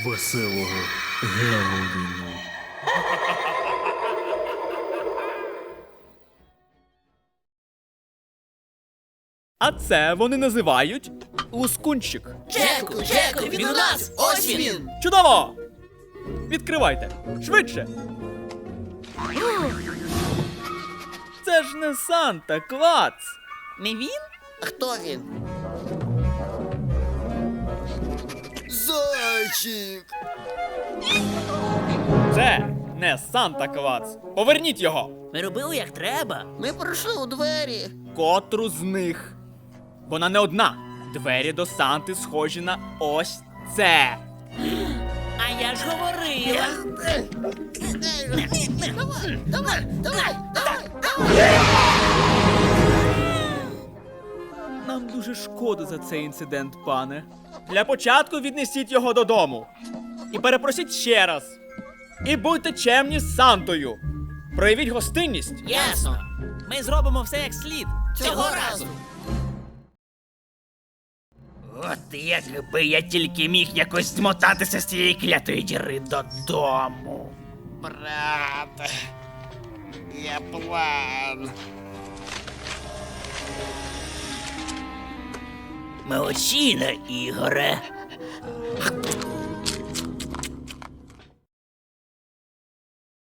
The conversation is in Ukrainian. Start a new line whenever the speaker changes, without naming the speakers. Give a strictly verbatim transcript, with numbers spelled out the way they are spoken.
Веселого Геловіну.
А це вони називають лускунчик.
Джеку, Джеку, він у нас! Ось він!
Чудово! Відкривайте! Швидше! Це ж не Санта Клац!
Не він? А хто він? Зайчик!
Це не Санта Клац! Поверніть його!
Ми робили як треба. Ми пройшли у двері.
Котру з них? Вона не одна. Двері до Санти схожі на ось це.
А я ж говорила. Давай, давай, давай, давай!
Нам дуже шкода за цей інцидент, пане. Для початку віднесіть його додому. І перепросіть ще раз. І будьте чемні з Сантою. Проявіть гостинність.
Ясно. Ми зробимо все як слід. Цього разу.
От якби я тільки міг якось змотатися з цієї клятої діри додому. Брат, є план. Молодчина, Ігоре.